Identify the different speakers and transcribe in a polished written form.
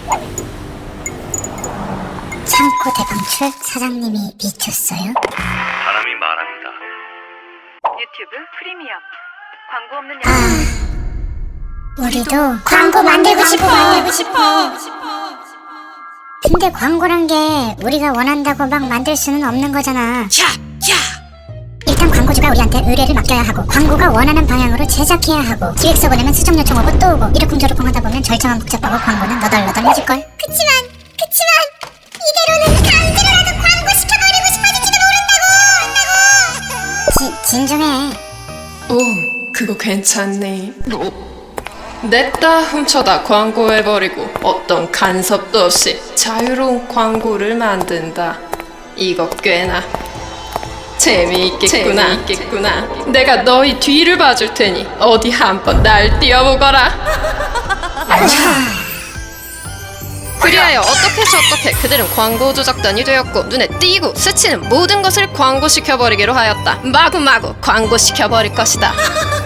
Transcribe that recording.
Speaker 1: 창고 대방출 사장님이 미쳤어요?
Speaker 2: 사람이 말합니다.
Speaker 3: 유튜브 프리미엄 광고 없는
Speaker 1: 우리도 광고 만들고 싶어. 근데 광고란 게 우리가 원한다고 막 만들 수는 없는 거잖아. 일단 광고주가 우리한테 의뢰를 맡겨야 하고, 광고가 원하는 방향으로 제작해야 하고, 기획서 보내면 수정 요청 오고 또 오고, 이러쿵저러쿵 하다 보면 절차만 복잡하고 광고는 너덜너덜해질걸. 그치만 이대로는 강제로라도 광고 시켜버리고 싶어질지도 모른다고. 진정해.
Speaker 4: 오, 그거 괜찮네. 냈다 훔쳐다 광고해버리고 어떤 간섭도 없이 자유로운 광고를 만든다. 이거 꽤나 재미있겠구나. 내가 너희 뒤를 봐줄 테니 어디 한번 날 띄워보거라. 그리하여 어떻게 그들은 광고 조작단이 되었고, 눈에 띄고 스치는 모든 것을 광고시켜버리기로 하였다. 마구마구 광고시켜버릴 것이다.